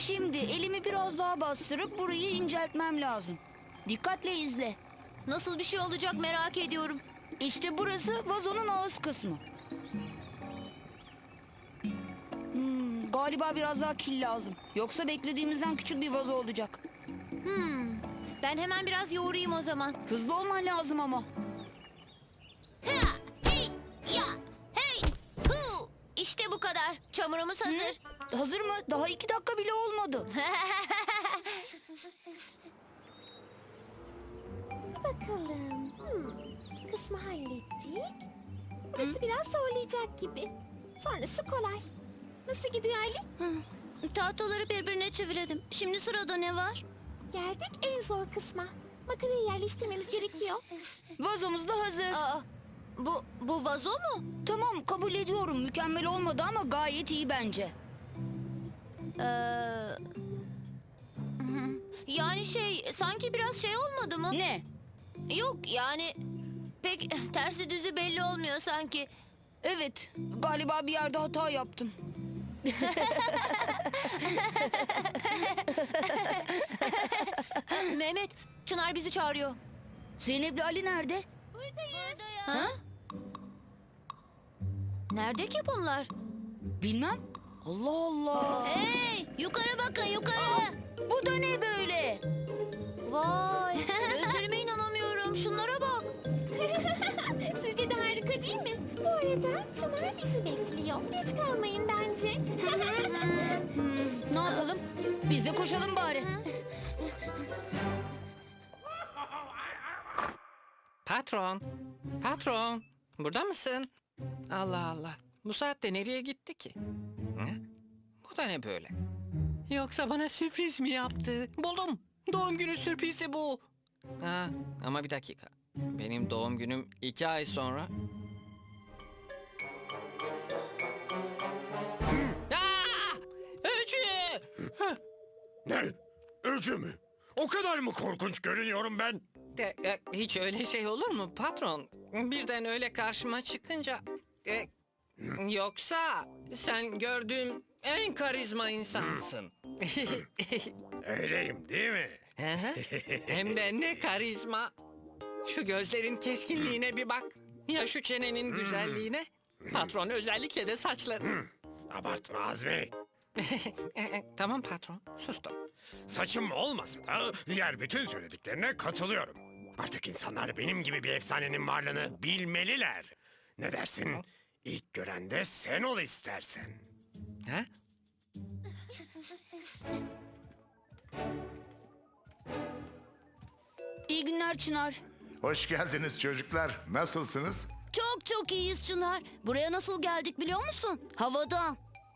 Şimdi elimi biraz daha bastırıp burayı inceltmem lazım. Dikkatle izle. Nasıl bir şey olacak merak ediyorum. İşte burası vazonun ağız kısmı. Galiba biraz daha kil lazım. Yoksa beklediğimizden küçük bir vazo olacak. Ben hemen biraz yoğurayım o zaman. Hızlı olman lazım ama. Ha, hey, ya, hey, hu. İşte bu kadar. Çamurumuz hazır. Hazır mı? Daha 2 dakika bile olmadı. Bakalım. Kısmı hallettik. Burası biraz zorlayacak gibi. Sonrası kolay. Nasıl gidiyor Ali? Tahtaları birbirine çevirelim. Şimdi sırada ne var? Geldik en zor kısma. Makarayı yerleştirmemiz gerekiyor. Vazomuz da hazır. Aa, bu vazo mu? Tamam, kabul ediyorum. Mükemmel olmadı ama gayet iyi bence. Yani sanki biraz olmadı mı? Ne? Yok yani pek tersi düzü belli olmuyor sanki. Evet, galiba bir yerde hata yaptım. Mehmet, Çınar bizi çağırıyor. Zeynep'le Ali nerede? Buradayız. Ha? Nerede ki bunlar? Bilmem. Allah Allah. Hey, yukarı bakın yukarı. Bu da ne böyle? Vay, gözlerime inanamıyorum. Şunlara bak. Sizce de harika değil mi? Bu arada Çınar bizi bekliyor. Geç kalmayın bence. Ne yapalım? Biz de koşalım bari. Patron, patron, burada mısın? Allah Allah, bu saatte nereye gitti ki? Hı? Bu da ne böyle? Yoksa bana sürpriz mi yaptı? Buldum, doğum günü sürprizi bu. Ha, ama bir dakika, benim doğum günüm 2 ay sonra. Aa! Öcü! Ne? Öcü mü? O kadar mı korkunç görünüyorum ben? Hiç öyle şey olur mu patron? Birden öyle karşıma çıkınca... yoksa sen gördüğüm en karizma insansın. Öyleyim değil mi? Hı hı. Hem de ne karizma. Şu gözlerin keskinliğine bir bak. Ya şu çenenin güzelliğine. Patron özellikle de saçların. Abartma Azmi. Tamam patron, sustum. Saçım olmasa da diğer bütün söylediklerine katılıyorum. Artık insanlar benim gibi bir efsanenin varlığını bilmeliler. Ne dersin? İlk gören de sen ol istersen. Ha? İyi günler Çınar. Hoş geldiniz çocuklar. Nasılsınız? Çok çok iyiyiz Çınar. Buraya nasıl geldik biliyor musun? Havadan.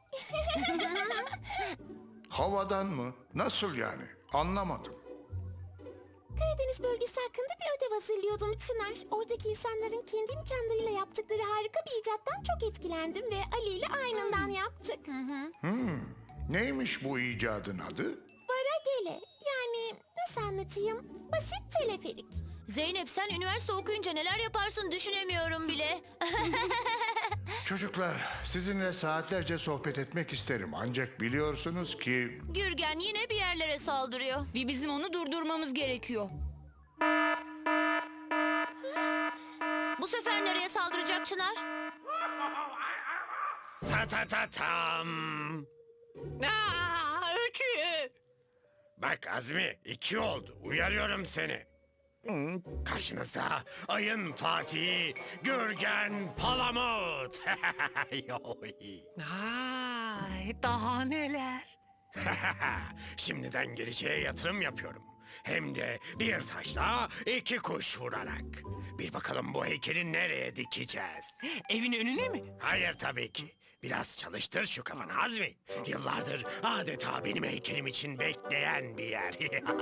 Havadan mı? Nasıl yani? Anlamadım. Karadeniz bölgesi hakkında bir ödev hazırlıyordum Çınar. Oradaki insanların kendi imkanlarıyla yaptıkları harika bir icattan çok etkilendim ve Ali ile aynından yaptık. Neymiş bu icadın adı? Varagele. Yani nasıl anlatayım? Basit teleferik. Zeynep sen üniversite okuyunca neler yaparsın düşünemiyorum bile. Çocuklar, sizinle saatlerce sohbet etmek isterim. Ancak biliyorsunuz ki... Gürgen yine bir yerlere saldırıyor. Ve bizim onu durdurmamız gerekiyor. Bu sefer nereye saldıracak Çınar? Ta ta ta tam. Aa, Öcü! Bak Azmi 2 oldu. Uyarıyorum seni. Karşınızda ayın Fatihi, Gürgen Palamut. Ay, daha neler? Şimdiden geleceğe yatırım yapıyorum. Hem de bir taşla 2 kuş vurarak. Bir bakalım bu heykeli nereye dikeceğiz? Evin önüne mi? Hayır tabii ki. Biraz çalıştır şu kafanı Azmi. Yıllardır adeta benim heykelim için bekleyen bir yer.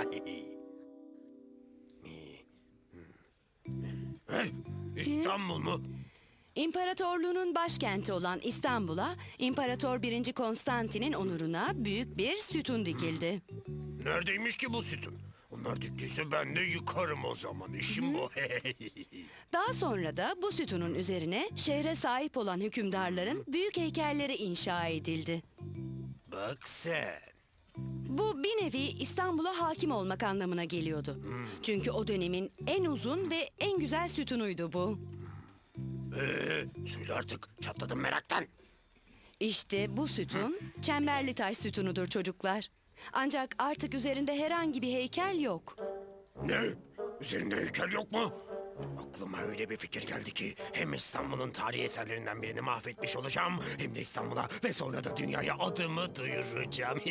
İstanbul mu? İmparatorluğunun başkenti olan İstanbul'a İmparator 1. Konstantin'in onuruna büyük bir sütun dikildi. Neredeymiş ki bu sütun? Onlar diktiyse ben de yıkarım o zaman. İşim bu. Daha sonra da bu sütunun üzerine şehre sahip olan hükümdarların büyük heykelleri inşa edildi. Bak sen. Bu bir nevi İstanbul'a hakim olmak anlamına geliyordu. Çünkü o dönemin en uzun ve en güzel sütunuydu bu. Söyle artık, çatladım meraktan. İşte bu sütun çemberli taş sütunudur çocuklar. Ancak artık üzerinde herhangi bir heykel yok. Ne? Üzerinde heykel yok mu? Aklıma öyle bir fikir geldi ki hem İstanbul'un tarihi eserlerinden birini mahvetmiş olacağım hem de İstanbul'a ve sonra da dünyaya adımı duyuracağım.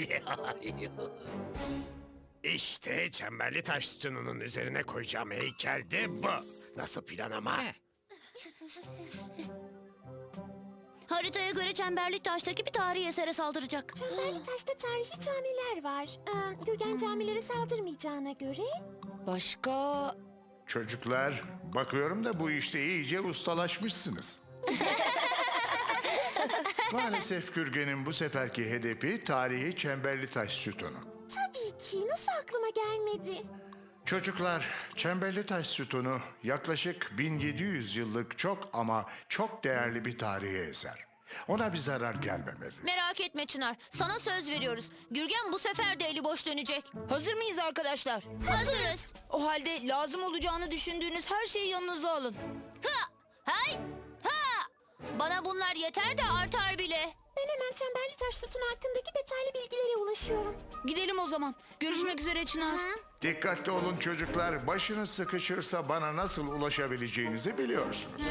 İşte çemberli taş sütununun üzerine koyacağım heykel de bu. Nasıl plan ama? Heh, Haritaya göre Çemberli Taş'taki bir tarihi esere saldıracak. Çemberli Taş'ta tarihi camiler var. Gürgen camilere saldırmayacağına göre... Başka... Çocuklar, bakıyorum da bu işte iyice ustalaşmışsınız. Maalesef Gürgen'in bu seferki hedefi tarihi çemberli taş sütunu. Tabii ki. Nasıl aklıma gelmedi? Çocuklar, çemberli taş sütunu yaklaşık 1700 yıllık çok ama çok değerli bir tarihi eser. Ona bir zarar gelmemeli. Merak etme Çınar. Sana söz veriyoruz. Gürgen bu sefer de eli boş dönecek. Hazır mıyız arkadaşlar? Hazırız. O halde lazım olacağını düşündüğünüz her şeyi yanınıza alın. Ha! Hay! Ha! Bana bunlar yeter de artar bile. Ben hemen Çemberli Taş sütunu hakkındaki detaylı bilgilere ulaşıyorum. Gidelim o zaman. Görüşmek üzere Çınar. Dikkatli olun çocuklar, başınız sıkışırsa bana nasıl ulaşabileceğinizi biliyorsunuz.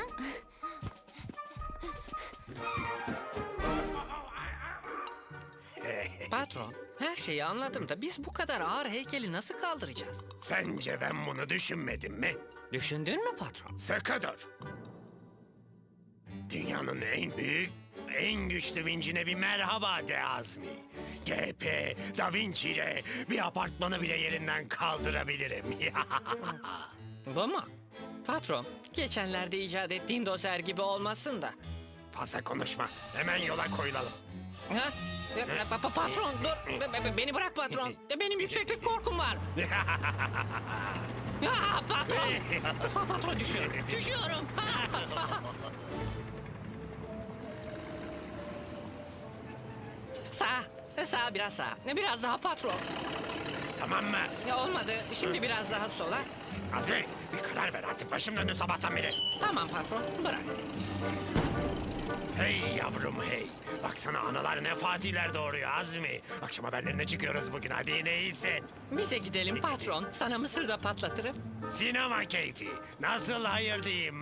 patron, her şeyi anladım da biz bu kadar ağır heykeli nasıl kaldıracağız? Sence ben bunu düşünmedim mi? Düşündün mü patron? Sıkı dur. Dünyanın en büyük, en güçlü vincine bir merhaba de Azmi. GP, Da Vinci ile bir apartmanı bile yerinden kaldırabilirim. Bu mu? Patron, geçenlerde icat ettiğin dozer gibi olmasın da. Fazla konuşma. Hemen yola koyulalım. Ha? Patron dur. Beni bırak patron. Benim yükseklik korkum var. Patron. Patron düşüyorum. Düşüyorum. Sağ biraz sağ. Biraz daha patron. Tamam mı? Olmadı. Şimdi biraz daha sola. Azmi, bir karar ver artık. Başım döndü sabahtan beri. Tamam patron. Bırak. Hey yavrum hey. Baksana analar ne fatihler doğuruyor Azmi. Akşam haberlerine çıkıyoruz bugün. Hadi neyse. Bize gidelim patron. Sana mısır da patlatırım. Sinema keyfi. Nasıl hayır diyeyim?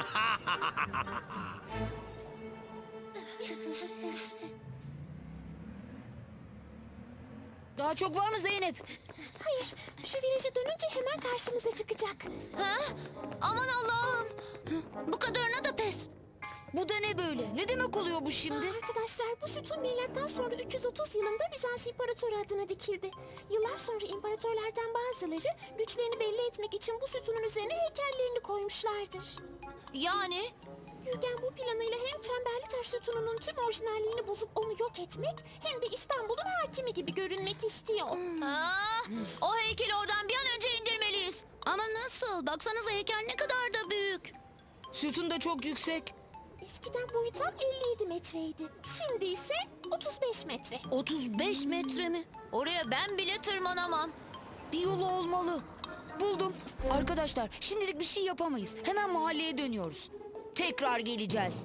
Daha çok var mı Zeynep? Hayır, şu viraja dönünce hemen karşımıza çıkacak. Ha? Aman Allah'ım. Bu kadarına da pes. Bu da ne böyle? Ne demek oluyor bu şimdi? Arkadaşlar bu sütun milattan sonra 330 yılında Bizans İmparatoru adına dikildi. Yıllar sonra imparatorlardan bazıları güçlerini belli etmek için bu sütunun üzerine heykellerini koymuşlardır. Yani Gürgen bu planıyla hem Çemberli Taş sütununun tüm orijinalliğini bozup onu yok etmek hem de İstanbul'un hakimi gibi görünmek istiyor. o heykeli oradan bir an önce indirmeliyiz. Ama nasıl? Baksanıza heykel ne kadar da büyük. Sütun da çok yüksek. Eskiden boyu tam 57 metreydi. Şimdi ise 35 metre. 35 metre mi? Oraya ben bile tırmanamam. Bir yolu olmalı. Buldum. Arkadaşlar şimdilik bir şey yapamayız. Hemen mahalleye dönüyoruz. Tekrar geleceğiz.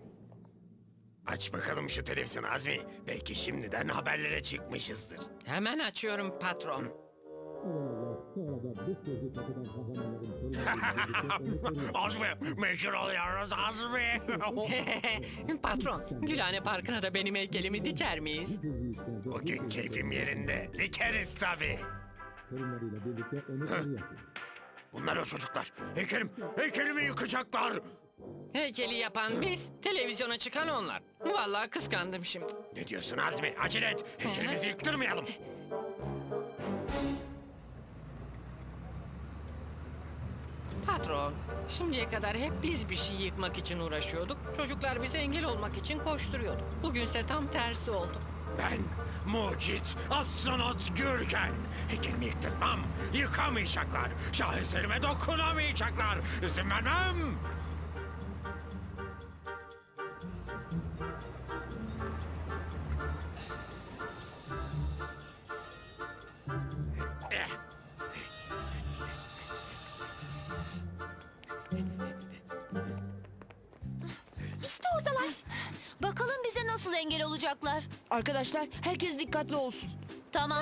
Aç bakalım şu televizyonu Azmi. Belki şimdiden haberlere çıkmışızdır. Hemen açıyorum patron. Azmi, meşhur oluyoruz Azmi. Patron, Gülhane Parkı'na da benim heykelimi diker miyiz? Bugün keyfim yerinde. Dikeriz tabii. Bunlar o çocuklar. Heykelimi yıkacaklar. Heykeli yapan biz, televizyona çıkan onlar. Vallahi kıskandım şimdi. Ne diyorsun Azmi? Acele et. Heykelimizi yıktırmayalım. Patron, şimdiye kadar hep biz bir şey yıkmak için uğraşıyorduk. Çocuklar bize engel olmak için koşturuyordu. Bugünse tam tersi oldu. Ben mucit astronot Gürgen. Heykelimi yıktırmam. Yıkamayacaklar. Şaheserime dokunamayacaklar. İzin vermem. nasıl engel olacaklar? Arkadaşlar herkes dikkatli olsun. Tamam.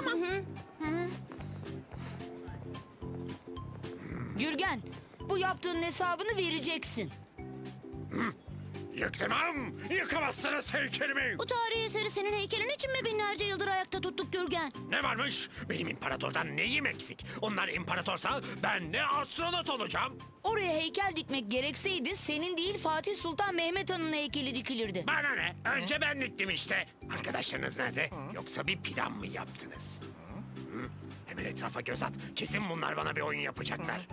Gürgen, bu yaptığın hesabını vereceksin. Yıktırmam. Yıkamazsınız heykelimi. Bu tarihi eseri senin heykelin için mi binlerce yıldır ayakta tuttuk Gürgen? Ne varmış? Benim imparatordan neyim eksik? Onlar imparatorsa ben de astronot olacağım. Oraya heykel dikmek gerekseydi senin değil Fatih Sultan Mehmet Han'ın heykeli dikilirdi. Bana ne? Önce ben diktim işte. Arkadaşlarınız nerede? Yoksa bir plan mı yaptınız? Hı? Hemen etrafa göz at. Kesin bunlar bana bir oyun yapacaklar.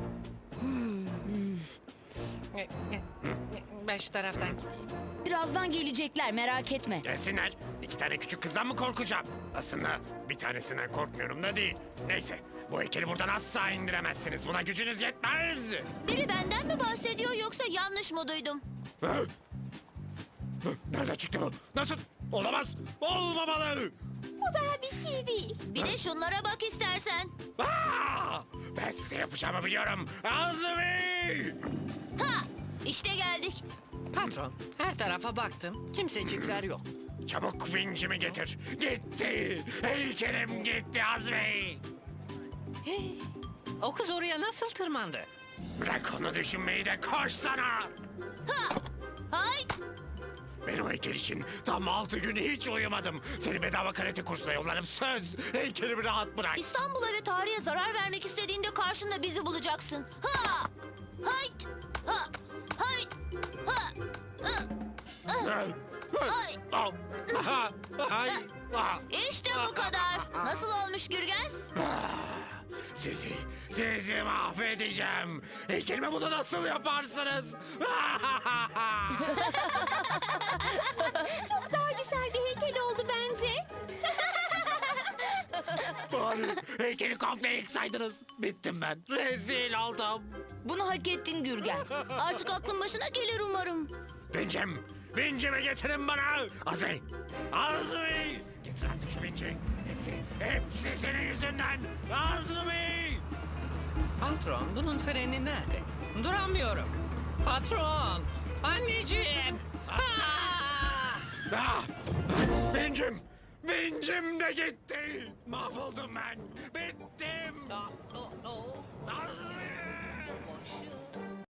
Ben şu taraftan gideyim. Birazdan gelecekler, merak etme. Gelsinler. 2 tane küçük kızdan mı korkacağım? Aslında bir tanesinden korkmuyorum da değil. Neyse. Bu heykeli buradan asla indiremezsiniz. Buna gücünüz yetmez. Biri benden mi bahsediyor yoksa yanlış mı duydum? Hı? Hı? Nereden çıktı bu? Nasıl? Olamaz. Olmamalı. Bu daha bir şey değil. Bir de şunlara bak istersen. Aa! Ben size yapacağımı biliyorum. Azmi! Ha! İşte geldik. Patron, her tarafa baktım. Kimsecikler yok. Çabuk vincimi getir. Gitti. Heykelim gitti Azmi. Hey, o kız oraya nasıl tırmandı? Bırak onu düşünmeyi de koş sana. Ha! Hay! Ben o heykel için tam 6 gün hiç uyumadım. Seni bedava karate kursuna yollarım. Söz. Heykelimi rahat bırak. İstanbul'a ve tarihe zarar vermek istediğinde karşında bizi bulacaksın. Ha! Hay! Ha! Hay! Ha! Ay! Ay! İşte bu kadar. Nasıl olmuş Gürgen? Sizi mahvedeceğim. Heykelime bunu nasıl yaparsınız? Çok daha güzel bir heykel oldu bence. Bari heykeli komple yıksaydınız. Bittim ben. Rezil oldum. Bunu hak ettin Gürgen. Artık aklın başına gelir umarım. Vincimi getirin bana. Azmi, Azmi. Getir artık şu vinci. Hepsi senin yüzünden. Azmi. Patron, bunun freni nerede? Duramıyorum. Patron, anneciğim. Ah! Vincim de gitti. Mahvoldum ben. Bittim. Azmi.